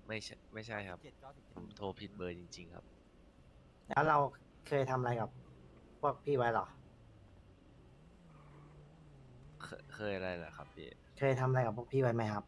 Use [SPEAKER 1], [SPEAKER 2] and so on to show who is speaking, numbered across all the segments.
[SPEAKER 1] ไม่ใช่ครับผมโทรผิดเบอร์จริงๆครับ
[SPEAKER 2] แล้วเราเคยทำอะไรกับพวกพี่ไว้เหรอ
[SPEAKER 1] เคยอะไรเหรอครับพี่
[SPEAKER 2] เคยทำอะไรกับพวกพี่ไว้ไหมครับ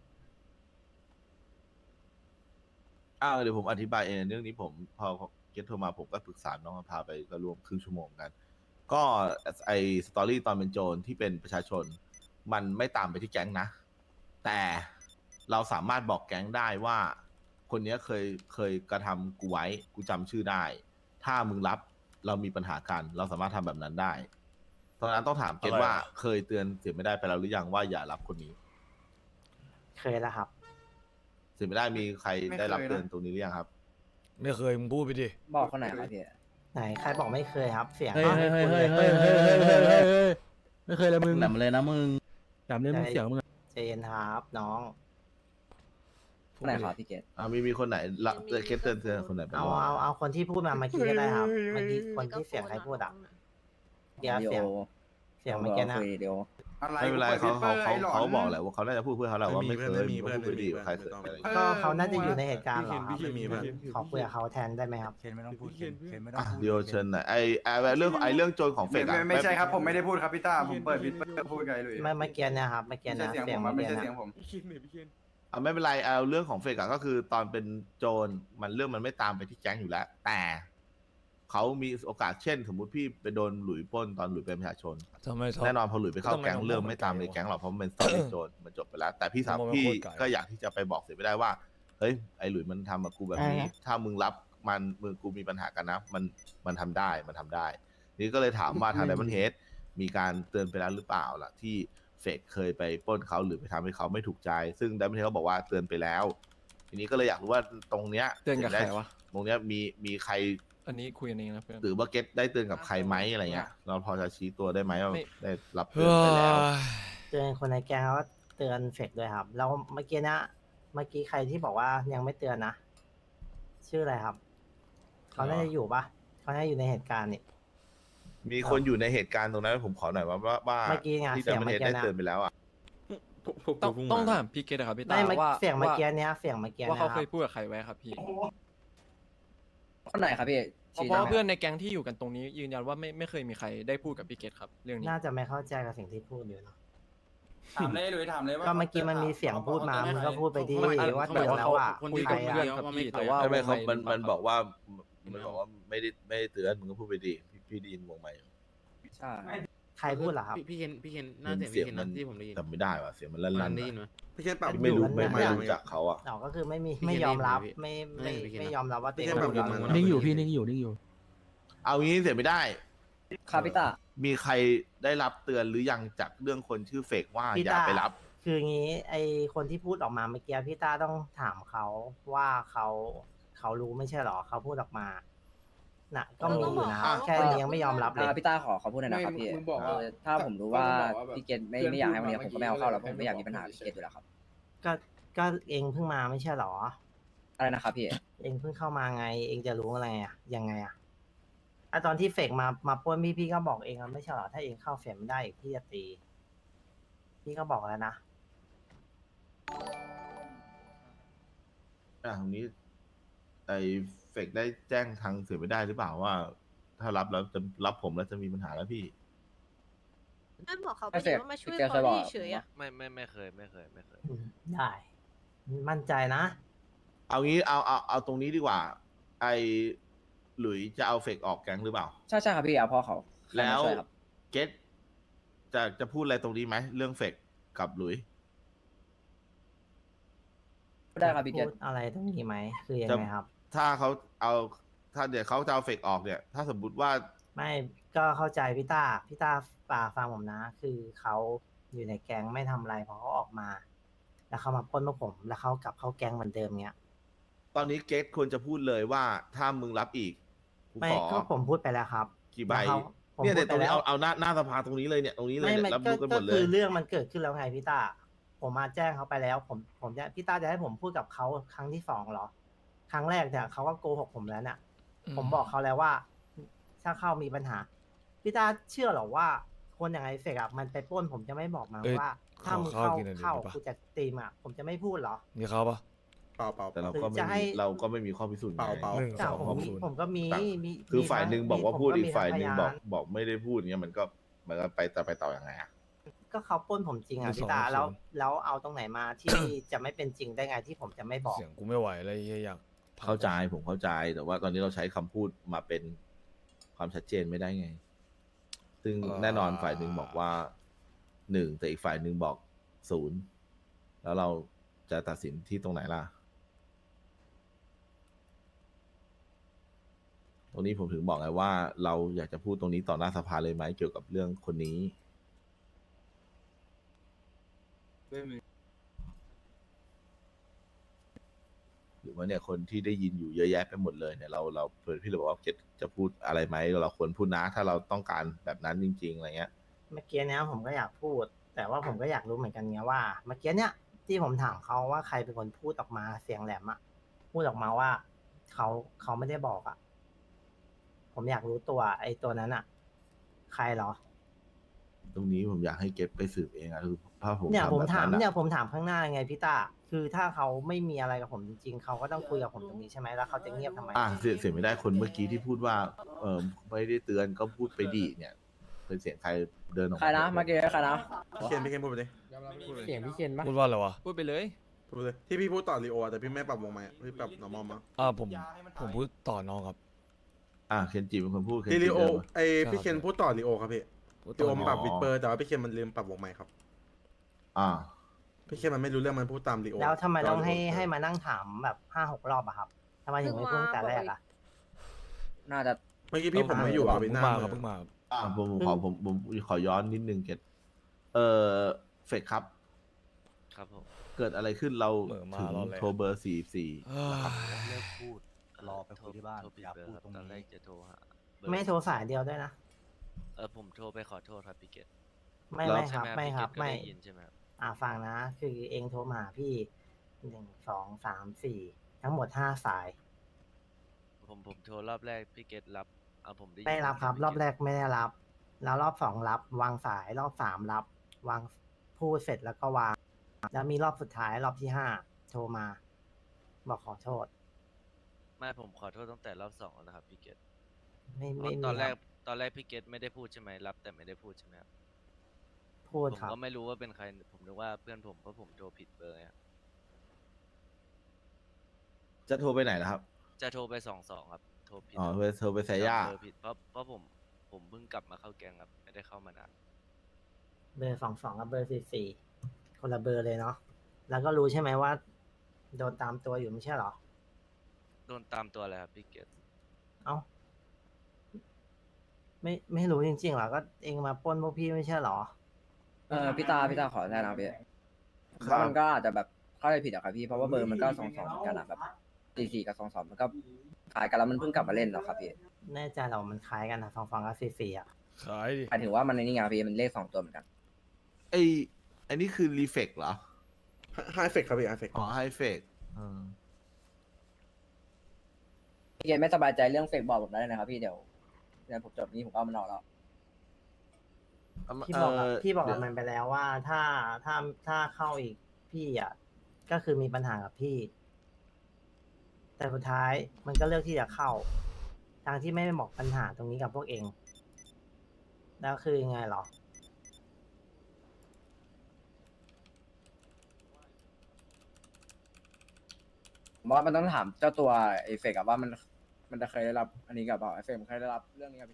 [SPEAKER 3] เดี๋ยวผมอธิบายเองเรื่องนี้ผมพอเก็ตโทรมาผมก็ปรึกษาน้องพาไปก็รวมครึ่งชั่วโมงกันก็ไอสตอรี่ตอนเป็นโจรที่เป็นประชาชนมันไม่ตามไปที่แก๊งนะแต่เราสามารถบอกแก๊งได้ว่าคนเนี้ยเคยกระทำกูไว้กูจำชื่อได้ถ้ามึงรับเรามีปัญหากันเราสามารถทำแบบนั้นได้ตอนนั้นต้องถามเก็ตว่าเคยเตือนเสียไม่ได้ไปแล้วหรือยังว่าอย่ารับคนนี้
[SPEAKER 2] เคยแล้วครับ
[SPEAKER 3] เสียไม่ได้มีใครได้รับเตือนตรงนี้หรือยังครับ
[SPEAKER 4] ไม่เคยมึงพูดไปดิ
[SPEAKER 5] บอกคนไหนครับพี่
[SPEAKER 2] ไหนใครบอกไม่เคยครับ เสียง
[SPEAKER 6] เฮ้ย
[SPEAKER 2] ไม่
[SPEAKER 6] เฮ้ย
[SPEAKER 2] คุ้น
[SPEAKER 6] เฮ้
[SPEAKER 2] เลย ย
[SPEAKER 6] เฮ้ยเฮ้ยเฮ้ยเฮ้ยเฮ้ยไม่เคยเลยมึง
[SPEAKER 5] แหลมเลยนะมึง
[SPEAKER 6] จำเรื่องมึงเสียงมึงอะ
[SPEAKER 2] ใจเย็นครับน้อง
[SPEAKER 5] คนไหนครับพี่เกด
[SPEAKER 3] มีคนไหนละเคสเตือนคนไหนไป
[SPEAKER 2] เอา
[SPEAKER 3] บ้าง
[SPEAKER 2] เอาคนที่พูดมาเมื่อกี้ก็ได้ครับเมื่อกี้คนที่เสียงใครพูดอ่ะเดี๋ยวเสียงเมื่อกี้นะ
[SPEAKER 5] คุยเดี๋ยว
[SPEAKER 3] ไม่เป็นไรเขาบอกแหละว่าเขาน่าจะพูดเพื่อเขาแหละว่าไม่เคยพูดดีใครเคยอะไร
[SPEAKER 2] ก็เขาน่าจะอยู่ในเหตุการณ์เหรอครับ
[SPEAKER 6] พี่มีเพื่อน
[SPEAKER 2] ขอคุยกับเขาแทนได้ไหมครับ
[SPEAKER 7] เคนไม่ต้องพูดเคนไม่ต้อง
[SPEAKER 3] อ่ะ
[SPEAKER 7] พูด
[SPEAKER 3] เดียวเชิญหน่อยเรื่องโจรของเฟกอะ
[SPEAKER 8] ไม่ใช่ครับผมไม่ได้พูดครับพี่ต้าผมเปิดวิดพูดไงเลย
[SPEAKER 2] เมื่อกี้เนะครับเมื่อกี้
[SPEAKER 8] ไม่ใช่
[SPEAKER 2] นะ
[SPEAKER 8] เสียง
[SPEAKER 2] เสี
[SPEAKER 8] ผ
[SPEAKER 2] ยง
[SPEAKER 8] ม
[SPEAKER 2] เมื่อ
[SPEAKER 8] ไม่
[SPEAKER 2] กี้
[SPEAKER 8] ใช่
[SPEAKER 2] นะ
[SPEAKER 8] เสียงผม
[SPEAKER 3] ไม่เป็นไรเอาเรื่องของเฟกอะก็คือตอนเป็นโจรมันเรื่องมันไม่ตามไปที่แก๊งอยู่แล้ว แต่เขามีโอกาสเช่น สมมุติพี่ไปโดนหลุยปล้นตอนหลุยเป็นประชาชน
[SPEAKER 4] ทำไม
[SPEAKER 3] แน่นอนพอหลุยไปเข้าแก๊ง
[SPEAKER 4] ต้อง
[SPEAKER 3] เรื่องไม่ตามในแก๊งหรอกเพราะมันเป็นสตอรี่โจรมันจบไปแล้ว แต่พี่สาว
[SPEAKER 4] ต้องมา
[SPEAKER 3] พี่
[SPEAKER 4] โคตรไกล
[SPEAKER 3] ก็อยากที่จะไปบอกเสียไม่ได้ว่าเฮ้ยไอหลุยมันทำกับกูแบบนี้ ถ้ามึงรับมันมึงกูมีปัญหากันนะมันทำได้นี่ก็เลยถามว่าทางไดมอนเฮดมีการเตือนไปแล้วหรือเปล่าล่ะที่เฟกเคยไปปล้นเขาหรือไปทำให้เขาไม่ถูกใจซึ่งไดมอนเฮดเขาบอกว่าเตือนไปแล้ว ทีนี้ก็เลยอยากรู้ว่าตรงเนี้ย
[SPEAKER 9] เตือนกับใครวะ
[SPEAKER 3] ตรงเนี้ยมีใคร
[SPEAKER 9] อันนี้คุยกันเองนะเพื่อน
[SPEAKER 3] หรือว่าเก็ตได้เตือนกับใครไหมอะไรเงี้ยเราพอจะชี้ตัวได้ไหมว่า
[SPEAKER 9] ไม่
[SPEAKER 3] ได้รับเตื
[SPEAKER 4] เฮ้
[SPEAKER 3] อนไปแล้ว
[SPEAKER 4] ย
[SPEAKER 2] เตือนคนในแก๊งแล้วก็เตือนเฟกด้วยครับแล้วเมื่อกี้นะเมื่อกี้ใครที่บอกว่ายังไม่เตือนนะชื่ออะไรครับเขาน่าจะอยู่ปะเขาน่าจะอยู่ในเหตุการณ์นี่
[SPEAKER 3] มีคนอยู่ในเหตุการณ์ตรงนั้นผมขอหน่อยว่า
[SPEAKER 2] เมื่อกี้ไง
[SPEAKER 3] ที่
[SPEAKER 2] เสี
[SPEAKER 3] ดั
[SPEAKER 2] ย
[SPEAKER 3] ม
[SPEAKER 2] ง
[SPEAKER 3] เบิล
[SPEAKER 2] เมื่อกี้
[SPEAKER 3] เฮดได้
[SPEAKER 2] นะ
[SPEAKER 3] เตือนไปแล้วอ่ะ
[SPEAKER 9] ต้องถามพี่เกดนะครับพี่ตา
[SPEAKER 2] ไม่
[SPEAKER 9] ว่า
[SPEAKER 2] เสียงเมื่อกี้เนี้ยเสียงเมื่อกี้
[SPEAKER 9] ว่า
[SPEAKER 2] นะค
[SPEAKER 9] เขา
[SPEAKER 2] รับ
[SPEAKER 9] เคยพูดกับใครไว้ครับพี่
[SPEAKER 5] คนไหนครับพี่
[SPEAKER 9] เพราะว่าเพื่อนในแก๊งที่อยู่กันตรงนี้ยืนยันว่าไม่เคยมีใครได้พูดกับพี่เกดครับเรื่องนี้
[SPEAKER 2] น่าจะไม่เข้าใจกับสิ่งที่พูดอยู่เนาะ
[SPEAKER 8] ถามเลยหรือถามเลยว่า
[SPEAKER 2] ก็เมื่อกี้มันมีเสียงพูดมามึงก็พูดไปดี
[SPEAKER 9] ไม่
[SPEAKER 2] ว่าเตือนแล้วอ่ะ
[SPEAKER 9] คุยกับเพื่อนครับพี่แต่ว่า
[SPEAKER 3] ไม่เขา
[SPEAKER 9] วงใน
[SPEAKER 3] มันบอกว่าไม่ได้เตือนมึงก็พูดไปดีพี่ได้ยินวงใหม่
[SPEAKER 5] ใช่
[SPEAKER 2] ใครพูดเหรอครับ
[SPEAKER 6] พี่เคนน่าจะ
[SPEAKER 3] เสียง
[SPEAKER 6] พี่เคน
[SPEAKER 3] มัน
[SPEAKER 6] ที่ผมได้ยิน
[SPEAKER 3] จำไม่ได้ว่ะเสียงมันลั่น
[SPEAKER 6] ได้ยินไหม
[SPEAKER 7] พี่เคนปรับ
[SPEAKER 3] ๆไม่รู้
[SPEAKER 2] มัน
[SPEAKER 3] ไม่รู้จักเขาอ่ะ
[SPEAKER 2] เราก็คือไม่มี
[SPEAKER 6] พี่
[SPEAKER 2] ไม่ยอมรับ
[SPEAKER 6] พี่
[SPEAKER 2] ไม่ยอมรับว่าตัวเอง
[SPEAKER 7] พี่
[SPEAKER 2] พูด
[SPEAKER 7] เคน
[SPEAKER 2] แล้ว
[SPEAKER 7] ปรับ
[SPEAKER 6] นิ่งอยู่พี่นิ่งอยู่
[SPEAKER 3] เอางี้เสียไม่ได้
[SPEAKER 5] ครับพี่ต้า
[SPEAKER 3] มีใครได้รับเตือนหรือยังจากเรื่องคนชื่อเฟกว่าอย่าไปรับ
[SPEAKER 2] คืองี้ไอคนที่พูดออกมาเมื่อกี้พี่ต้าต้องถามเขาว่าเขารู้ไม่ใช่หรอเขาพูดออกมาน่ะก็มีอยู่นะแค่นี้ยังไม่ยอมรับเลย
[SPEAKER 5] พี่ต้าขอพูดหน่อยนะครับพี่ถ้าผมรู้ว่าพี่เกดไม่อยากให้วันนี้ผมก็ไม่เอาเข้าแล้วผมไม่อยากมีปัญหากับพี่เกดอยู่แล้วครับ
[SPEAKER 2] ก็เองเพิ่งมาไม่ใช่หรอ
[SPEAKER 5] อะไรนะครับพี่
[SPEAKER 2] เองเพิ่งเข้ามาไง เองจะรู้อะไรอ่ะยังไงอ่ะตอนที่เฟกมาปล้นพี่ก็บอกเองแล้วไม่ใช่หรอถ้าเองเข้าเฟกไม่ได้อีกพี่จะตี พี่ก็บอกแล้วนะ
[SPEAKER 3] ตรงนี้ไอเฟกได้แจ้งทางเสียไม่ได้หรือเปล่าว่า ถ้ารับแล้วจะรับผมแล้วจะมีปัญหาแล้วพี่
[SPEAKER 10] นั่นบอกเขาไป
[SPEAKER 5] ไม่เสร็จ
[SPEAKER 10] ว่ามาช่วย
[SPEAKER 5] พี่เกด
[SPEAKER 10] พ
[SPEAKER 5] เค
[SPEAKER 10] อย
[SPEAKER 5] บอก
[SPEAKER 10] ลี่เฉยๆอะ
[SPEAKER 1] ไม่เคย
[SPEAKER 2] ได้ มั่นใจนะ
[SPEAKER 3] เอางี้เอาตรงนี้ดีกว่า ไอหลุยจะเอาเฟกออกแก๊งหรือเปล่า
[SPEAKER 5] ใช่ครับพี่เอาพ่อเขา
[SPEAKER 3] แล้ว
[SPEAKER 5] ช่ยครับ
[SPEAKER 3] เกตจะพูดอะไรตรงนี้ไหมเรื่องเฟกกับหลุย
[SPEAKER 5] ได้ครับพี่เก
[SPEAKER 2] พู
[SPEAKER 5] ด
[SPEAKER 2] ดอะไรตรงนี้ไหมคือยังไงครับ
[SPEAKER 3] ถ้าเขาเอาถ้าเดี๋ยวเขาจะเอาเฟกออกเนี่ย ถ้าสมมติว่า
[SPEAKER 2] ไม่ก็เข้าใจพี่ต้าฟังผมนะ คือเขาอยู่ในแก๊งไม่ทำอะไรพอเขาออกมา แล้วเขามาปล้นพวกผม แล้วเขากลับเข้าแก๊งเหมือนเดิมเนี้ย
[SPEAKER 3] ตอนนี้เกตควรจะพูดเลยว่าถ้ามึงรับอีกกู
[SPEAKER 2] ไม่
[SPEAKER 3] ขอ
[SPEAKER 2] ก็ผมพูดไปแล้วครับ
[SPEAKER 3] กี่ใบ
[SPEAKER 2] แล้วผม
[SPEAKER 3] เนี่ย
[SPEAKER 2] พู
[SPEAKER 3] เดี๋
[SPEAKER 2] ด
[SPEAKER 3] ยวตรงนี้
[SPEAKER 2] ไปแล้ว
[SPEAKER 3] เอาหน้าสภาตรงนี้เลยเนี่ยตรงนี้เลย
[SPEAKER 2] ไม่
[SPEAKER 3] เนี่ยรับรู้กันหมดเล
[SPEAKER 2] คื
[SPEAKER 3] ย
[SPEAKER 2] อเรื่องมันเกิดขึ้นแล้วไงพี่ต้า ผมมาแจ้งเขาไปแล้ว ผมจะพี่ต้าจะให้ผมพูดกับเขาครั้งที่สองเหรอ ครั้งแรกเนี่ยเขาก็โกหกผมแล้วเนี่ยผมบอกเขาแล้วว่า ถ้าเข้ามีปัญหา พี่ต้าเชื่อเหรอว่า คนอย่างไอเฟกอะมันไปปล้นผมจะไม่บอกมา
[SPEAKER 4] เอ้ย
[SPEAKER 2] ว่า ถ้ามึง
[SPEAKER 4] ขอข้าวกินหน่อย
[SPEAKER 2] เข้า
[SPEAKER 4] ได้ปะ
[SPEAKER 2] กูจะตีมอะผมจะไม่พูดเหรอ
[SPEAKER 4] มีเขาปะ
[SPEAKER 7] เปล่า
[SPEAKER 3] แต่เราก็
[SPEAKER 2] หรือจะให้
[SPEAKER 3] เราก็ไม่มีข้อพิสูจน์ไง
[SPEAKER 7] เปล่า
[SPEAKER 4] หนึ่ง
[SPEAKER 2] แต่
[SPEAKER 4] สอง
[SPEAKER 2] ผม
[SPEAKER 4] ศูนย์
[SPEAKER 2] ผมก็มี
[SPEAKER 3] ต่าง
[SPEAKER 2] มี
[SPEAKER 3] คือ
[SPEAKER 2] มี
[SPEAKER 3] ฝ่ายหนึ่งบอกว่า
[SPEAKER 2] ผม
[SPEAKER 3] พูดอีก
[SPEAKER 2] มี
[SPEAKER 3] ฝ่ายหนึ่ง
[SPEAKER 2] พ
[SPEAKER 3] บอกไม่ได้พูดเงี้ยมันก็ไปต่อยังไงอ่ะ
[SPEAKER 2] ก็เขาปล้นผมจริงอ่ะ
[SPEAKER 4] หนึ่ง
[SPEAKER 2] พี่ตา
[SPEAKER 4] สอง
[SPEAKER 2] แล้วเอาตรงไหนมาที่ จะไม่เป็นจริงได้ไงที่ผมจะไม่บอก
[SPEAKER 4] เสียงกูไม่ไหวเลยเฮียอยาก
[SPEAKER 3] เข้าใจผมเข้าใจ แต่ว่าตอนนี้เราใช้คำพูดมาเป็นความชัดเจนไม่ได้ไง ซึ่งแน่นอนฝ่ายหนึ่งบอกว่า1แต่อีกฝ่ายหนึ่งบอก0แล้วเราจะตัดสินที่ตรงไหนล่ะ ตรงนี้ผมถึงบอกไงว่าเราอยากจะพูดตรงนี้ต่อหน้าสภาเลยไหมเกี่ยวกับเรื่องคนนี้ หรือว่าเนี่ยคนที่ได้ยินอยู่เยอะแยะไปหมดเลยเนี่ยเราเพื่อนพี่เลยบอกว่าจะพูดอะไรไหมเราควรพูดนะถ้าเราต้องการแบบนั้นจริงๆอะไรเงี้ย
[SPEAKER 2] เมื่อกี้เนี้ยผมก็อยากพูด แต่ว่าผมก็อยากรู้เหมือนกันไงว่า เมื่อกี้เนี้ยที่ผมถามเขาว่าใครเป็นคนพูดออกมาเสียงแหลมอะพูดออกมาว่าเขาไม่ได้บอกอะผมอยากรู้ตัวไอ้ตัวนั้นอะใครเหรอ
[SPEAKER 3] ตรงนี้ผมอยากให้เก็บไปสืบเองอะคือถ้าผม
[SPEAKER 2] เนี่ย
[SPEAKER 3] ทำ
[SPEAKER 2] ผม
[SPEAKER 3] แบบ
[SPEAKER 2] ถาม
[SPEAKER 3] นั้น
[SPEAKER 2] เนี่
[SPEAKER 3] อะ
[SPEAKER 2] ยผมถามข้างหน้าไงพี่ตาคือถ้าเขาไม่มีอะไรกับผมจริงๆเขาก็ต้องคุยกับผมตรงนี้ใช่ไหมแล้วเขาจะเงียบทำไม
[SPEAKER 3] เสียไม่ได้คนเมื่อกี้ที่พูดว่าไม่ได้เตือนก็พูดไปดีเนี่ยเป็นเสียงใครเดินออก
[SPEAKER 5] ใครนะเมื่อกี้ใครนะ
[SPEAKER 7] พี่เคนพูดไปดิ
[SPEAKER 6] เสียงพี่เคนปะ
[SPEAKER 4] พูดว่าอะไรวะ
[SPEAKER 9] พูดไปเลย
[SPEAKER 7] พูดไปเลยที่พี่พูดต่อรีโอแต่พี่ไม่ปรับวงไหมพี่ปรับ normal มั้ง
[SPEAKER 4] ผมพูดต่อน้องครับ
[SPEAKER 3] เคนจิเป็นคนพูดเคน
[SPEAKER 7] ที่
[SPEAKER 3] จิ
[SPEAKER 7] รีโอ
[SPEAKER 3] เดินมา
[SPEAKER 7] ไอพี่เคนพูดต่อรีโอครับพี่
[SPEAKER 4] พูด
[SPEAKER 7] รี
[SPEAKER 4] ต่
[SPEAKER 7] โอ
[SPEAKER 4] อ
[SPEAKER 7] มัน
[SPEAKER 4] น้
[SPEAKER 7] ป
[SPEAKER 4] อ
[SPEAKER 7] รั
[SPEAKER 4] ง
[SPEAKER 7] บวิดเปอร์แต่ว่าพี่เคนมันลืมปรับวงไหมครับ
[SPEAKER 3] อ่า
[SPEAKER 7] พี่เคนมันไม่รู้เรื่องมันพูดตามรีโอ
[SPEAKER 2] แล้วทำไมต้องให้มานั่งถามแบบ5-6 รอบอะครับทำไมถึงไม่พูดตั้งแต่แรกอะ
[SPEAKER 5] น่าจะ
[SPEAKER 7] เมื่อกี้พี่ผมไม่อยู่
[SPEAKER 4] เพิ่
[SPEAKER 7] กับ
[SPEAKER 4] ง
[SPEAKER 7] พี่หน้า
[SPEAKER 4] มา
[SPEAKER 7] มื
[SPEAKER 4] ครับ
[SPEAKER 7] อ
[SPEAKER 4] เพิ่งมาครับ
[SPEAKER 3] ผมขอย้อนนิดนึงเกตเฟกครับ
[SPEAKER 1] ครับผม
[SPEAKER 3] เกิดอะไรขึ้นเรา
[SPEAKER 4] เหม่อมา
[SPEAKER 3] ถึง
[SPEAKER 4] รอแล้ว
[SPEAKER 3] โทรเบอร์44
[SPEAKER 4] เอ้ย
[SPEAKER 1] เลิกพูดรอไปคุยที่บ้านอย่าพูดตรงนี้ตอนแรกจะโทรหาเบอร์
[SPEAKER 2] ไม่โทรสายเดียวด้วยนะ
[SPEAKER 1] ผมโทรไปขอโทษครับพี่เกต
[SPEAKER 2] ไม่
[SPEAKER 3] แล้ว
[SPEAKER 2] ไม่ค
[SPEAKER 1] ใช่
[SPEAKER 2] รับ
[SPEAKER 1] ไหม
[SPEAKER 2] ไม่ครับ
[SPEAKER 1] พี่เกตก็
[SPEAKER 2] ไม่
[SPEAKER 1] ได้ยินใช่ไหมครับ
[SPEAKER 2] ฟังนะ คือเองโทรมาหาพี่1 2 3 4ทั้งหมด5 สาย
[SPEAKER 1] ผมโทรรอบแรกพี่เกตรับผมได้ยิน
[SPEAKER 2] ไม่รับครับ
[SPEAKER 1] พี่
[SPEAKER 2] รอบ
[SPEAKER 1] เต
[SPEAKER 2] แรกไม่ได้รับ แล้วรอบ 2 รับ วางสายรอบ 3 รับ วางพูดเสร็จแล้วก็วาง แล้วมีรอบสุดท้ายรอบที่ 5 โทรมา บอกขอโทษ
[SPEAKER 1] ไม่ผมขอโทษตั้งแต่รอบ2แล้วนะครับพี่เกต
[SPEAKER 2] ไม่มี
[SPEAKER 1] ตอนแรก
[SPEAKER 2] ครับ
[SPEAKER 1] ตอนแรกพี่เกตไม่ได้พูดใช่ไหมรับแต่ไม่ได้พูดใช่ไหมครับ
[SPEAKER 2] พูด
[SPEAKER 1] ผม
[SPEAKER 2] ครับ
[SPEAKER 1] ก็ไม่รู้ว่าเป็นใครผมนึกว่าเพื่อนผมเพราะผมโทรผิดเบอร์ครับ
[SPEAKER 3] จะโทรไปไหนนะครับ
[SPEAKER 1] จะโทรไป22ครับโทรผิด
[SPEAKER 3] อ๋อโทรไปสายย่า
[SPEAKER 1] จำเบอร์ผิดเพราะผมเพิ่งกลับมาเข้าแกงครับไม่ได้เข้ามานาน
[SPEAKER 2] เบอร์22กับเบอร์44คนละเบอร์เลยเนาะ แล้วก็รู้ใช่ไหมว่า โดนตามตัวอยู่ไม่ใช่เหรอ
[SPEAKER 1] โดนตามตัวอะไรครับพี่เกต
[SPEAKER 2] เอ้า ไม่รู้จริงๆเหรอ ก็เองมาปล้นพวกพี่ไม่ใช่เหรอ
[SPEAKER 5] พี่ตาขอแทนนะพี่เพราะมันก็อาจจะแบบเข้าใจผิดอะครับพี่เพราะว่าเบอร์มันก็22เหมือนกันอะแบบ44กับ22มันก็ขายกันแล้วมันเพิ่งกลับมาเล่นเหรอครับพี่
[SPEAKER 2] แน่ใจเหรามันคล้ายกันนะ22กับ44อ่ะ
[SPEAKER 4] ขายดิ
[SPEAKER 5] หมายถึงว่ามันในนี่ไงพี่มันเลข2ตัวเหมือนกัน
[SPEAKER 3] ไอ้นี่คือรีเฟกเหรอ
[SPEAKER 7] ไฮเฟกครับพี่ไฮเฟก
[SPEAKER 3] อ๋อไฮเฟก
[SPEAKER 5] พี่เกณไม่สบายใจเรื่องเฟกบอกผมได้เลยนะครับพี่เดี๋ยวผมจบนี้ผมก็เอามันออกแล้ว
[SPEAKER 2] พี่บอกกับมันไปแล้วว่าถ้าเข้าอีกพี่อ่ะก็คือมีปัญหากับพี่ แต่สุดท้ายมันก็เลือกที่จะเข้าทางที่ไม่ได้บอกปัญหาตรงนี้กับพวกเอง แล้วคือยังไงเหรอ
[SPEAKER 5] ผมว่ามันต้องถามเจ้าตัวไอ้เฟกอะว่ามันจะเคยได้รับอันนี้กับเปล่าไอ้เฟกมันเคยได้รับเรื่องนี้กับพี่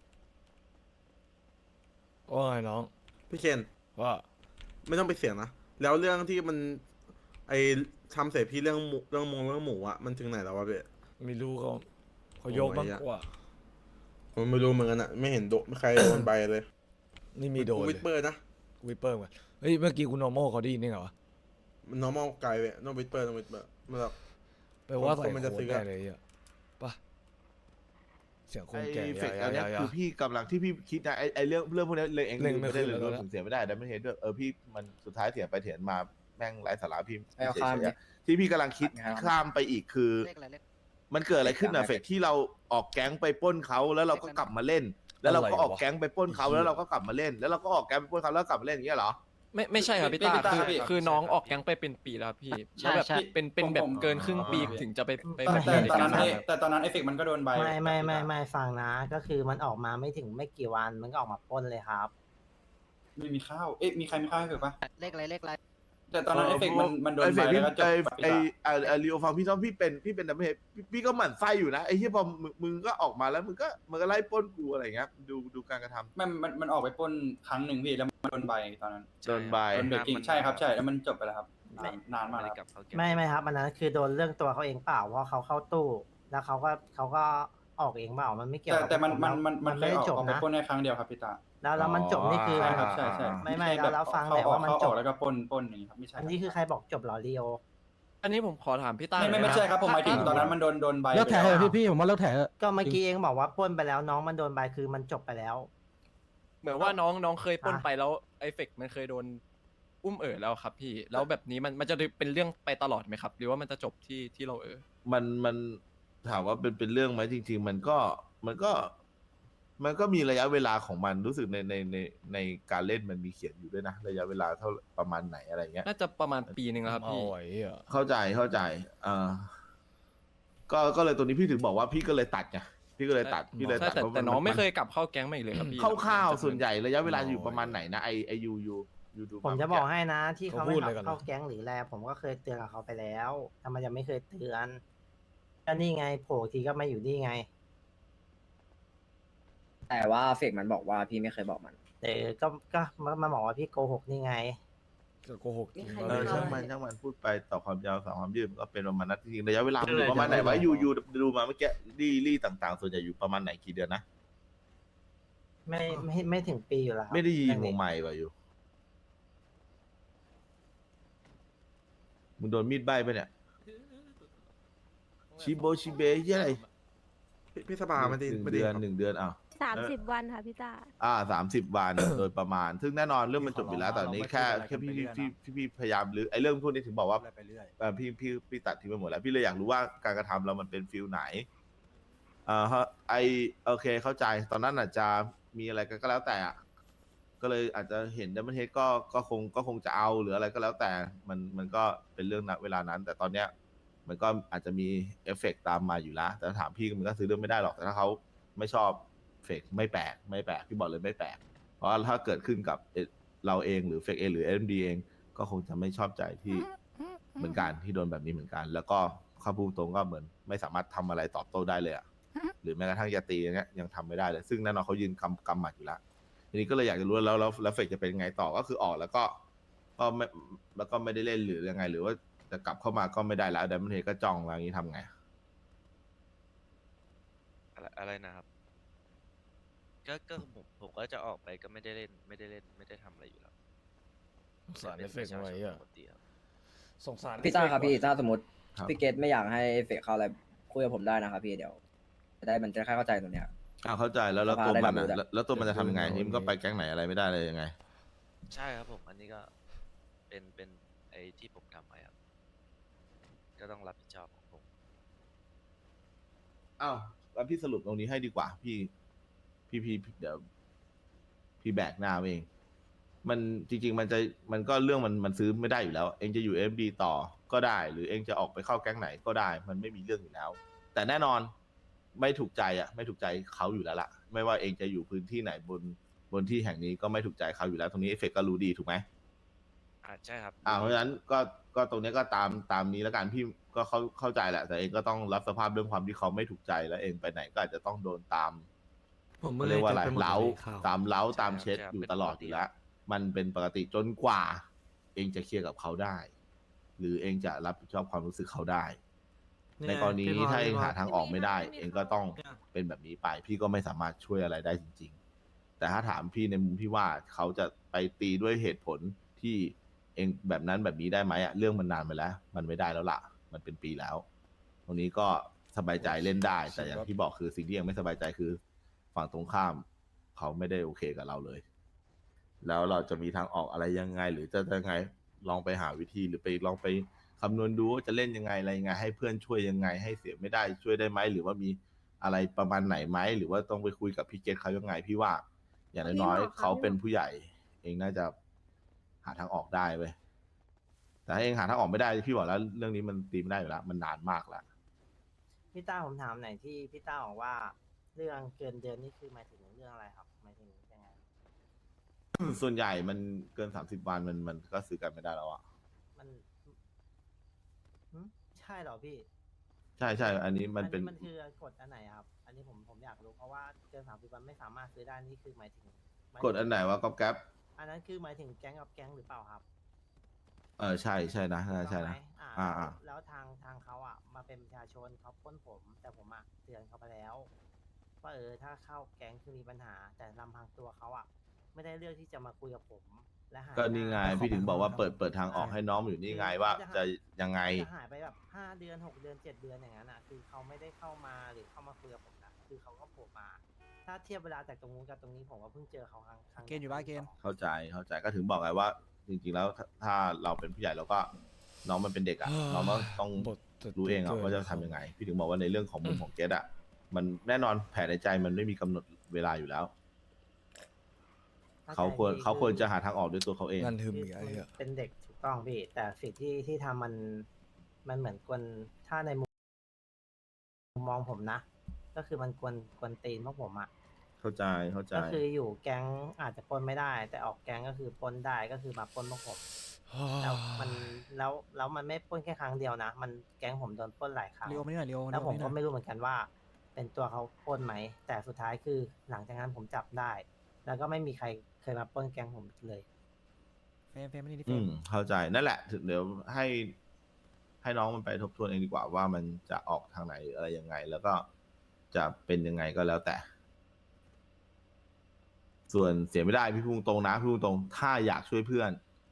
[SPEAKER 4] ว่าไงน้อง
[SPEAKER 7] พี่เคน
[SPEAKER 4] ว่า
[SPEAKER 7] ไม่ต้องไปเสียงนะแล้วเรื่องที่มันไอทำเสร็จพี่เรื่องเรื่องหมูอะมันถึงไหนแล้ววะพี่
[SPEAKER 4] ไม่รู้เขายกมากกว่า
[SPEAKER 7] ผมไม่รู้เหมือนกันอะไม่เห็นใครโดนใบเลย
[SPEAKER 4] นี่มีโดน
[SPEAKER 7] วิ
[SPEAKER 4] เล
[SPEAKER 7] ด
[SPEAKER 4] ย
[SPEAKER 7] เปอร์นะ
[SPEAKER 4] วิปเปอร์มาเฮ้ยเมื่อกี้คุณนอร์มอลเขาได้ยินนี่เหรอวะ
[SPEAKER 7] มัน normal ไกลเว้ยต้องวิดเปอร์มันแบบ
[SPEAKER 4] แปลว่า
[SPEAKER 7] คน
[SPEAKER 4] ใส่
[SPEAKER 7] มัน
[SPEAKER 4] โค้
[SPEAKER 7] จะซื้
[SPEAKER 4] ด
[SPEAKER 7] อ
[SPEAKER 4] แน่
[SPEAKER 7] อะ
[SPEAKER 4] เลยอ่ะปะเสียงคน
[SPEAKER 3] ไอ้
[SPEAKER 4] แก่
[SPEAKER 3] เฟก
[SPEAKER 4] อย่า
[SPEAKER 3] อันเนี้ย
[SPEAKER 4] อย่า
[SPEAKER 3] คือพี่กำลังที่พี่คิดนะไอ้เรื่องพวกนี้เลยเอง
[SPEAKER 4] เร่ง
[SPEAKER 3] ไม่ได้
[SPEAKER 4] ไม่
[SPEAKER 3] เลย
[SPEAKER 4] ขึ้นแล้ว
[SPEAKER 3] ผมเสียไม่ได้แต่ไม่เห็นด้วยพี่มันสุดท้ายเถียงไปเถียงมาแม่งไร้สาระพี่
[SPEAKER 5] ไม่เอาข้าม
[SPEAKER 3] เฉยๆอะที่พี่กำลังคิดข้ามไปอีกคือ มันเกิดอะไรขึ้นอะเฟกที่เราออกแก๊งไปปล้นเขาแล้วเราก็กลับมาเล่น แล้วเราก็ออกแก๊งไปปล้นเขาแล้วเราก็กลับมาเล่น แล้วเราก็ออกแก๊งไปปล้นเขาแล้วกลับมาเล่นอย่างเงี้ยเหรอ
[SPEAKER 9] ไม่ใช่ครับพี่ตา
[SPEAKER 8] พี่ตาครับพี่
[SPEAKER 9] คือน้องออกแก๊งไปเป็นปีแล้วครับพี่แล้วแบบเป็นแบบเกินครึ่งปีถึงจะไป
[SPEAKER 8] แต่ตอนนั้น
[SPEAKER 9] ใช่
[SPEAKER 8] แต่ตอนนั้นเอฟเฟกมันก็โดนใบ
[SPEAKER 2] ไม่ฟังนะ ก็คือมันออกมาไม่ถึงไม่กี่วันมันก็ออกมาปล้นเลยครับ
[SPEAKER 8] ไม่มีข้าวเอ๊ะมีใครมีข้าวให้เฟกปะ
[SPEAKER 1] เลขอะไร
[SPEAKER 8] แต่ตอนนั้นเอฟเฟกมันโดนใบแล้วก็จบปะ
[SPEAKER 3] ไอรีโอฟังพี่ต้องพี่เป็นดับเบิลเฮดพี่ก็หมั่นไส้อยู่นะไอ้ที่พอมึงก็ออกมาแล้วมึงก็ไล่ปล้นกูอะไรเงี้ยดูการกระทำ
[SPEAKER 8] มันออกไปปล้นครั้งหนึ่งพี่แล้วมันโดนใบตอนนั้น
[SPEAKER 3] โดนใบ
[SPEAKER 8] โดนเบรกกิ้งใช่ครับใช่แล้วมันจบไปแล้วครับนานมากแล้วครับ
[SPEAKER 2] ไม่ครับอันนั้นคือโดนเรื่องตัวเขาเองเปล่าเพราะเขาเข้าตู้ แล้วเขาก็ออกเองเปล่ามันไม่เกี่ยวกับ
[SPEAKER 8] แต่มัน
[SPEAKER 2] ผ
[SPEAKER 8] มัน
[SPEAKER 2] ไม่
[SPEAKER 8] เคย
[SPEAKER 2] ได้
[SPEAKER 8] ออก
[SPEAKER 2] จบ
[SPEAKER 8] ไป
[SPEAKER 2] นะ
[SPEAKER 8] ปล้นในครั้งเดียวครับพี่ตา
[SPEAKER 2] แล้วมันจบนี่คือ
[SPEAKER 8] ใช่ครับใช่ใช่
[SPEAKER 2] ไม่แล้วฟัง
[SPEAKER 8] เขา
[SPEAKER 2] แต่ว่ามัน
[SPEAKER 8] เขา
[SPEAKER 2] จ
[SPEAKER 8] อบ อกแล้วก็ปล้นอย่างนี้ครับไม่ใช่
[SPEAKER 2] อันนี้คือใครบอกจบเหรอลีโอ
[SPEAKER 9] อันนี้ผมขอถามพี่ต้า
[SPEAKER 8] ไม่ใช่ครับผมหมายถึงตอนนั้นมันโดนใบ
[SPEAKER 6] เลิกแถ
[SPEAKER 8] ไป
[SPEAKER 6] เถ
[SPEAKER 8] แล้ว
[SPEAKER 6] อะพี่ผมว่าเลิกแถเถอะ
[SPEAKER 2] ก็เมื่อกี้เองบอกว่าปล้นไปแล้วน้องมันโดนใบคือมันจบไปแล้ว
[SPEAKER 9] เหมือนว่าน้องเคยปล้นไปแล้วไอเฟกมันเคยโดนอุ้มแล้วครับพี่แล้วแบบนี้มันจะเป็นเรื่องไปตลอดไหมครับ หรือว่ามันจะจบที่เรา
[SPEAKER 3] มันถามว่าเป็นเรื่องไหมจริง ๆ มันก็มีระยะเวลาของมันรู้สึกในการเล่นมันมีเขียนอยู่ด้วยนะระยะเวลาเท่าประมาณไหนอะไรเงี้ย
[SPEAKER 9] น่าจะประมาณปีหนึ่งแล้วครับ
[SPEAKER 4] เอา
[SPEAKER 9] พี่
[SPEAKER 4] ไว้อะ
[SPEAKER 3] เข้าใจก็เลยตัวนี้พี่ถึงบอกว่าพี่ก็เลยตัดไงพี่ก็เลยตัดพี่เลย
[SPEAKER 9] ใช่
[SPEAKER 3] ตัด
[SPEAKER 9] แต่
[SPEAKER 3] พราะ
[SPEAKER 9] แต่น้องไม่เคยกลับเข้าแก๊งมาอีกเลยครับพี่
[SPEAKER 3] คร่าวๆส่วนใหญ่ระยะเวลาอยู่ประมาณไหนนะไอยูดู
[SPEAKER 2] ผมจะบอกให้นะ ที่เขาไม่เข้าแก๊งหรือแลผมก็เคยเตือนกับเขาไปแล้วทำไมจะไม่เคยเตือนก็นี่ไงโผล่ทีก็ไม่อยู่นี่ไง
[SPEAKER 5] แต่ว่าเฟกมันบอกว่าพี่ไม่เคยบอกมัน
[SPEAKER 2] ก็มาบอกว่าพี่โกหกนี่ไง
[SPEAKER 4] จะโกหกจริง
[SPEAKER 3] ช่างมันพูดไปต่อความยาวสาวความยืดก็เป็นประมาณนั้นจริงๆระยะเวลามันอยู่ประมาณไหนวะยูดูมาเมื่อกี้รี่ต่างๆ ส่วนใหญ่อยู่ประมาณไหนกี่เดือนนะ
[SPEAKER 2] ไม่ถึงปีอยู่แล้วครับ
[SPEAKER 3] ไม่ได้ยิงวงใหม่ป่ะอยู่มึงโดนมีดใบไปเนี่ยชิเบยี่อะไร
[SPEAKER 7] พี่สบามันดี
[SPEAKER 3] หนึ่ง
[SPEAKER 7] ไม่ดี
[SPEAKER 3] เดือน
[SPEAKER 7] ครับ
[SPEAKER 3] 1 เดือนอ้าว
[SPEAKER 10] 30 วันค่ะพี่ตา
[SPEAKER 3] 30 วัน โดยประมาณ ซึ่งแน่นอนเรื่องมันจบอยู่แล้วแต่อันนี้แค่พี่พยายามหรือไอ้เรื่องพวกนี้ถึงบอกว่าพี่ตัดทิ้งไปหมดแล้วพี่เลยอยากรู้ว่าการกระทำเรามันเป็นฟิลไหนโอเคเข้าใจตอนนั้นอาจจะมีอะไรก็แล้วแต่อะก็เลยอาจจะเห็นดัมเบิลเฮดก็คงจะเอาหรืออะไรก็แล้วแต่มันก็เป็นเรื่องณเวลานั้น แต่ตอนเนี้ยมันก็อาจจะมีเอฟเฟกต์ตามมาอยู่แล้วแต่ถ้าถามพี่มันก็ซื้อเรื่องไม่ได้หรอกแต่ถ้าเขาไม่ชอบเฟกไม่แปลกพี่บอกเลยไม่แปลกเพราะว่าถ้าเกิดขึ้นกับเราเองหรือเฟกเองหรือเอ็มดีเองก็คงจะไม่ชอบใจที่เหมือนกันที่โดนแบบนี้เหมือนกัน แล้วก็ข้าพูดตรงก็เหมือนไม่สามารถทำอะไรตอบโต้ได้เลยอะหรือแม้กระทั่งยาตีอย่างเงี้ยยังทำไม่ได้เลยซึ่งแน่นอนเขายืนกำหมัดอยู่แล้วทีนี้ก็เลยอยากจะรู้แล้วเฟกจะเป็นยังไงต่อก็คือออกแล้วก็ไม่ได้เล่นหรือยังไง หรือว่าจะกลับเข้ามาก็ไม่ได้แล้วดัมเบิลเฮดก็จ้องแล้วอย่างนี้ทำไง
[SPEAKER 1] อะไรนะครับ ก็ผมก็จะออกไปก็ไม่ได้เล่นไม่ได้ทำอะไรอยู่แล้ว
[SPEAKER 4] สงสารเอฟเฟกต์ไว้อะ
[SPEAKER 1] ปกติครับ
[SPEAKER 4] สงสาร
[SPEAKER 5] พี่ต้าครับพี่ถ้าสมมติ
[SPEAKER 3] ครับ
[SPEAKER 5] พี่เกตไม่อยากให้เฟกเข้าอะไรคุยกับผมได้นะครับพี่เดี๋ยวมันจะเข้าใจตรงเนี้ย
[SPEAKER 3] เข้าใจแล้วตัว
[SPEAKER 5] ได้
[SPEAKER 3] มัน
[SPEAKER 5] รับรู้
[SPEAKER 3] อะ
[SPEAKER 5] แล้ว
[SPEAKER 3] แล้วตัวมันจะทำยังไงนี่มันก็ไปแก๊งไหนอะไรไม่ได้เลยยังไง
[SPEAKER 1] ใช่ครับผมอันนี้ก็เป็นไอ้ที่ผมทำไปครับก็ต้องรับผิดชอบของผม
[SPEAKER 3] อ้าวแล้วพี่สรุปตรงนี้ให้ดีกว่าพี่เดี๋ยวพี่แบกหน้าเองมันจริงๆมันก็เรื่องมันซื้อไม่ได้อยู่แล้ว เองจะอยู่เอ็มดีต่อก็ได้ หรือเองจะออกไปเข้าแก๊งไหนก็ได้ มันไม่มีเรื่องอยู่แล้ว แต่แน่นอนไม่ถูกใจไม่ถูกใจเขาอยู่แล้วล่ะ ไม่ว่าเองจะอยู่พื้นที่ไหนบนที่แห่งนี้ก็ไม่ถูกใจเขาอยู่แล้ว ตรงนี้เอฟเฟกก็รู้ดีถูกไหม
[SPEAKER 1] ใช่ครับ
[SPEAKER 3] เพราะฉะนั้นก็ตรงนี้ก็ตามนี้แล้วกันพี่ก็เข้าใจแหละ แต่เองก็ต้องรับสภาพเรื่องความที่เขาไม่ถูกใจแล้วเองไปไหนก็อาจจะต้องโดนตาม
[SPEAKER 6] ผม
[SPEAKER 3] เรียกว่าอะไร
[SPEAKER 6] จำปหมด
[SPEAKER 3] เล้า
[SPEAKER 6] เลยข่ว
[SPEAKER 3] ตามเล้าตาม
[SPEAKER 1] ใช่
[SPEAKER 3] เช็ด
[SPEAKER 1] ครับ
[SPEAKER 3] อยู่
[SPEAKER 1] เป็น
[SPEAKER 3] ตลอด
[SPEAKER 1] ปกติ
[SPEAKER 3] อยู่แล้ว มันเป็นปกติจนกว่า เองจะเคลียร์กับเขาได้ หรือเองจะรับผิดชอบความรู้สึกเขาได้ ในกรณีนี้ถ้าเองหาทางออกไม่ได้ เองก็ต้องเป็นแบบนี้ไป พี่ก็ไม่สามารถช่วยอะไรได้จริง ๆ แต่ถ้าถามพี่ในมุมที่ว่าเขาจะไปตีด้วยเหตุผลที่เองแบบนั้นแบบนี้ได้ไหมเรื่องมันนานไปแล้ว มันไม่ได้แล้วล่ะ มันเป็นปีแล้ว ตรงนี้ก็สบายใจเล่นได้ แต่อย่างที่บอกคือสิ่งที่ยังไม่สบายใจคือฝั่งตรงข้าม เขาไม่ได้โอเคกับเราเลย แล้วเราจะมีทางออกอะไรยังไง หรือจะยังไงลองไปหาวิธีหรือไปลองไปคำนวณดูว่าจะเล่นยังไงอะไรยังไง ให้เพื่อนช่วยยังไง ให้เสียไม่ได้ช่วยได้ไหมหรือว่ามีอะไรประมาณไหนไหมหรือว่าต้องไปคุยกับพี่เกตเขายังไงพี่ว่า อย่างน้อยๆเขาเป็นผู้ใหญ่ เองน่าจะหาทางออกได้เว้ยแต่ถ้าเองหาทางออกไม่ได้พี่บอกแล้วเรื่องนี้มันตีไม่ได้อยู่แล้วมันนานมากแล้ว
[SPEAKER 2] พี่ต้าผมถามหน่อยที่พี่ต้าบอกว่าเรื่องเกินเดือนนี่คือหมายถึงเรื่องอะไรครับหมายถึงยังไง
[SPEAKER 3] ส่วนใหญ่มันเกิน30 วันมันก็ซื้อกันไม่ได้แล้วอ่ะ
[SPEAKER 2] มันหึใช่เหรอพี่
[SPEAKER 3] ใช่ใช่อันนี้มันเป็น
[SPEAKER 2] มันคือกฎอันไหนครับ อันนี้ผมอยากรู้เพราะว่าเกิน30 วันไม่สามารถซื้อได้นี่คือหมายถึง
[SPEAKER 3] กฎอันไหนว่าก๊อปแก๊ป
[SPEAKER 2] อันนั้นคือหมายถึงแก๊งกับแก๊งหรือเปล่าครับ
[SPEAKER 3] ใช่ใช่นะใช่นะ
[SPEAKER 2] ถูกต้องไหม
[SPEAKER 3] อ่า
[SPEAKER 2] แล้วทางเขาอ่ะมาเป็นประชาชนเขาปล้นผม แต่ผมอ่ะเตือนเขาไปแล้วว่าถ้าเข้าแก๊งคือมีปัญหา แต่ลำพังตัวเขาอ่ะไม่ได้เลือกที่จะมาคุยกับผมและหาย
[SPEAKER 3] ก็นี่ไง
[SPEAKER 2] หา
[SPEAKER 3] พี่ถึงบอกว่าเปิดทางออกให้น้องอยู่นี่ไงว่าจะยังไง
[SPEAKER 2] จะหายไปแบบ5 เดือน 6 เดือน 7 เดือนอย่างนั้นอ่ะคือเขาไม่ได้เข้ามาหรือเข้ามาคุยกับผมนะคือเขาก็โผล่มา ถ้าเทียบเวลาจากตรงนู้นกับตรงนี้ผมก็เพิ่งเจอเขาครั้ง
[SPEAKER 6] เกณฑ์อยู่บ้านเกณฑ์
[SPEAKER 3] เข้าใจก็ถึงบอกไงว่า จริงๆแล้วถ้าเราเป็นผู้ใหญ่เราก็น้องมันเป็นเด็กอ่ะน้องก็ต้อง
[SPEAKER 4] บท
[SPEAKER 3] รู้เองอ่ะว่าจะทำยังไง พี่ถึงบอกว่าในเรื่องของมุมของเกตอ่ะมันแน่นอนแผนในใจมันไม่มีกำหนดเวลาอยู่แล้ว เขาควรจะหาทางออกด้วยตัวเขาเอง
[SPEAKER 4] งานทึม
[SPEAKER 2] คือ
[SPEAKER 4] อีกไอ้
[SPEAKER 2] มัน
[SPEAKER 4] เหี้ย
[SPEAKER 2] เป็นเด็กถูกต้องพี่แต่สิ่งที่ทำมันเหมือนกวนถ้าในมุมมองผมนะ ก็คือมันกวนตีนพวกผมอ่ะ
[SPEAKER 3] เข้าใจ
[SPEAKER 2] ก็คืออยู่แก๊งอาจจะปล้นไม่ได้ แต่ออกแก๊งก็คือปล้นได้ก็คือมาปล้นพวกผม แล้วมันไม่ปล้นแค่ครั้งเดียวนะ มันแก๊งผมโดนปล้นหลายครั้ง
[SPEAKER 6] เร็วมานี่หน่อยเร็ว
[SPEAKER 2] แล้วผม
[SPEAKER 6] เร็
[SPEAKER 2] ก็
[SPEAKER 6] วานี่หน่อย
[SPEAKER 2] ไม่รู้เหมือนกันว่า เป็นตัวเขาปล้นไหม แต่สุดท้ายคือหลังจากนั้นผมจับได้ แล้วก็ไม่มีใครเคยมาปล้นแก๊งผมเลย
[SPEAKER 6] เฟรมมานี่ดิเฟ
[SPEAKER 3] อื
[SPEAKER 6] รม
[SPEAKER 3] มเข้าใจนั่นแหละถึงเดี๋ยวให้น้องมันไปทบทวนเองดีกว่าว่ามันจะออกทางไหนอะไรยังไง แล้วก็จะเป็นยังไงก็แล้วแต่ ส่วนเสียไม่ได้พี่พูดตรงนะพี่พูดตรงถ้าอยากช่วยเพื่อน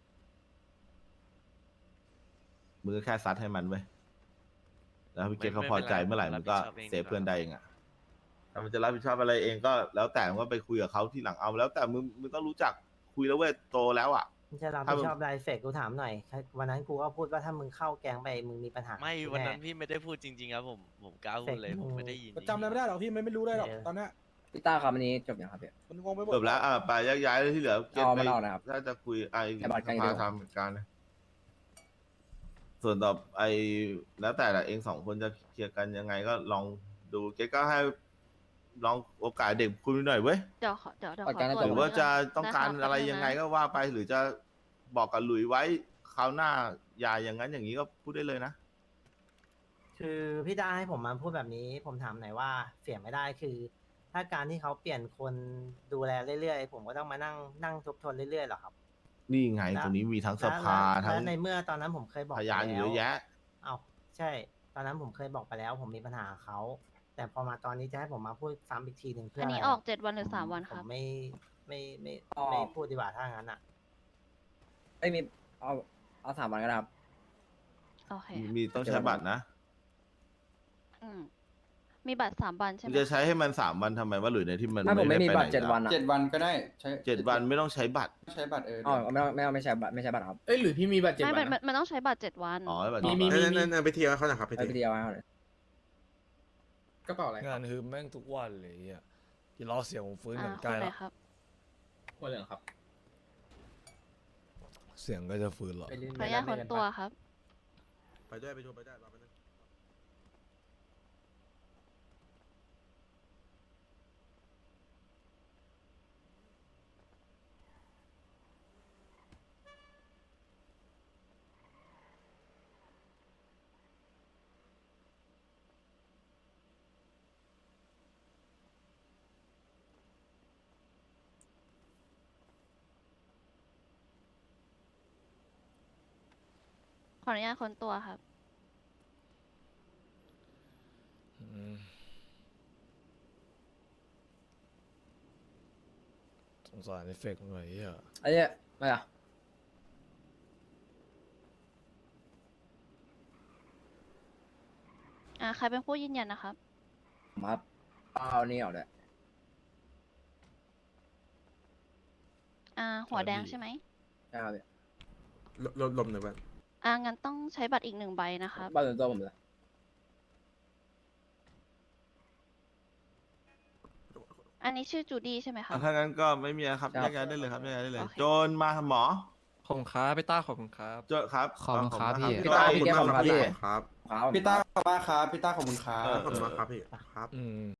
[SPEAKER 3] มึงก็แค่ซัดให้มันไว้ยแล้วพี่เกตเขาพอใจเมื่อไหร่มึงก็เซฟเพื่อนได้เองอะถ้ามันจะรับผิดชอบอะไรเองก็แล้วแต่มึงก็ไปคุยกับเขาที่หลังเอาแล้วแต่มึงต้องรู้จักคุยแล้วเว้ยโตแล้วอ่ะ
[SPEAKER 2] ไม่ใช่รับผิดชอบรายเฟกกูถามหน่อย วันนั้นกูก็พูดว่าถ้ามึงเข้าแก๊งไปมึงมีปัญหา
[SPEAKER 1] ไม่
[SPEAKER 2] กู
[SPEAKER 1] วัน
[SPEAKER 2] แ
[SPEAKER 1] นั้นพี่ไม่ได้พูดจริงๆครับผมกล้าพูดเลยผมไม่ได้ยิน
[SPEAKER 6] จำอะไรไม่ได้หรอกพี่ไม่รู้ได้หรอกตอนเนี้ย
[SPEAKER 5] พี่ต้าครับอันนี้จบยังครับพี่
[SPEAKER 6] มันงงไปหมด
[SPEAKER 3] จบแล้วไปแยกย้ายเลยที่เหลือเกต
[SPEAKER 5] เอา
[SPEAKER 3] ไป
[SPEAKER 5] ไม่เอานะครับ
[SPEAKER 3] ถ้าจะคุยไอ้
[SPEAKER 5] ให้บัตรกัน
[SPEAKER 3] ส
[SPEAKER 5] อย่างเดี
[SPEAKER 3] ภา
[SPEAKER 5] ยว
[SPEAKER 3] ทำเหมือนกันนะส่วนต่อไอ้แล้วแต่ละเองสองคนจะเคลียร์กันยังไงก็ลองดูเกตก็ให้ลองโอกาสเด็กคุยหน่อยเว้ย
[SPEAKER 10] เดี๋ยวขอ
[SPEAKER 5] ประกัน
[SPEAKER 10] ต
[SPEAKER 5] น่า
[SPEAKER 10] รวจ
[SPEAKER 3] หรือว่าจะต้องการ
[SPEAKER 10] ด้คบ
[SPEAKER 3] อะไร
[SPEAKER 10] แป๊บนึ
[SPEAKER 3] ยังไง
[SPEAKER 10] นะ
[SPEAKER 3] ก็ว่าไปหรือจะบอกกับหลุยไว้คราวหน้าอย่าอย่างนั้นอย่างนี้ก็พูดได้เลยนะ
[SPEAKER 2] คือพี่ได้ให้ผมมาพูดแบบนี้ ผมถามหน่อยว่าเสียไม่ได้คือ ถ้าการที่เขาเปลี่ยนคนดูแลเรื่อยๆผมก็ต้องมานั่งทบทวนเรื่อยๆเหรอครับ
[SPEAKER 3] นี่ไง
[SPEAKER 2] แล้ว
[SPEAKER 3] ตรงนี้มีทั้งสภา
[SPEAKER 2] แล้ว
[SPEAKER 3] ทั้ง
[SPEAKER 2] แล้วในเมื่อตอนนั้นผมเคยบอก
[SPEAKER 3] พยานอยู่เยอะแยะ
[SPEAKER 2] เอ้าใช่ ตอนนั้นผมเคยบอกไปแล้ว ผมมีปัญหากับเขาแต่พอมาตอนนี้จะให้ผมมาพูดซ้ำอีกทีหนึ่งเพื่อ
[SPEAKER 10] อั
[SPEAKER 2] อั
[SPEAKER 10] น
[SPEAKER 2] น
[SPEAKER 10] นี้ออก7 วันหรือ3 วัน
[SPEAKER 2] ผ
[SPEAKER 10] ครั
[SPEAKER 2] ม
[SPEAKER 10] บ
[SPEAKER 2] ไม่พูดดีกว่าถ้างั้นอ่ะ
[SPEAKER 5] ไม่มีเอา3 วันก็ได้ครับ
[SPEAKER 10] โอเค
[SPEAKER 3] มีต้องใช้บัตรนะ
[SPEAKER 10] อืมมีบัตร3 วันใช่ไห
[SPEAKER 3] มึ
[SPEAKER 10] ม
[SPEAKER 3] งจะใช้ให้มัน3 วันทำไมว่าหลุยในที่มัน
[SPEAKER 5] ถ้าผมไม่มี
[SPEAKER 3] ด้
[SPEAKER 5] บัตร
[SPEAKER 3] ไหน
[SPEAKER 5] 7 วันอะ
[SPEAKER 8] 7 วันก็ได้ใช้
[SPEAKER 3] 7 วันไม่ต้องใช้บัตร
[SPEAKER 8] ใช้บัตร
[SPEAKER 5] อ๋อ
[SPEAKER 8] เดี๋ยว
[SPEAKER 5] ไม่ใช่บัตรครับ
[SPEAKER 6] เอ้ยหรือพี่มีบัตร7
[SPEAKER 10] ไม่
[SPEAKER 6] วัน
[SPEAKER 10] มันต้องใช้บัตร7 วัน
[SPEAKER 3] อ๋อบัตร
[SPEAKER 6] มี
[SPEAKER 7] นั่นไปเที่ยวให้เขาหน่อยครับไป
[SPEAKER 5] ไป
[SPEAKER 7] เที่ยว
[SPEAKER 5] เดียวให้เขาเลย
[SPEAKER 6] กระเป๋าอะไร
[SPEAKER 4] งานฮึมแม่งทุกวันเลยอ่ะอย่ารอเสียงผมฟื้นเหมือน
[SPEAKER 10] ค
[SPEAKER 4] ใกล้
[SPEAKER 10] นไหน
[SPEAKER 4] แล้ว
[SPEAKER 10] ครับ
[SPEAKER 6] หัวเหลืองครับ
[SPEAKER 4] เสียงก็จะฟื้นหรอ
[SPEAKER 10] ขออนุญาตคนตัวครับ
[SPEAKER 7] ไปด้วยไปชมไปได้รอไปนึง
[SPEAKER 10] ขออนุญาตคนตัวครับ
[SPEAKER 4] อืมสงสารไอ้เฟกหน่อยเหี้ย
[SPEAKER 5] ไอ้เนี่ยไม่อะ
[SPEAKER 10] ใครเป็นผู้ยืนยันนะครับ
[SPEAKER 5] ผมครับเอานี่ออกด้วย
[SPEAKER 10] หัวแดงใช่ไหม
[SPEAKER 5] ใช่ครับพี่
[SPEAKER 7] ลมหน่อยบ้าง
[SPEAKER 10] งั้นต้องใช้บัตรอีก1 ใบนะครับ
[SPEAKER 5] บัตรส่วนตัวผมเลย
[SPEAKER 10] อันนี้ชื่อจูดี้ใช่ไหมครับ
[SPEAKER 3] ถ้างั้นก็ไม่มีนะครับแยกย้ายได้เลยครับแยกย้ายได้เลย
[SPEAKER 10] โอเค
[SPEAKER 3] โจนมาหมอ
[SPEAKER 9] ขอบคุณครับพี่ต้าขอบคุณครับ
[SPEAKER 3] เจอครับ
[SPEAKER 11] ขอบคุณครับพี่
[SPEAKER 7] พี่ต้าขอบคุณมากครับพี่ครับ
[SPEAKER 5] ครับ
[SPEAKER 8] พี่ต้าขอบคุณมากครับพี่ต้าขอบคุณครับ
[SPEAKER 7] ขอบคุณมากครับพี่ครับ
[SPEAKER 4] อืม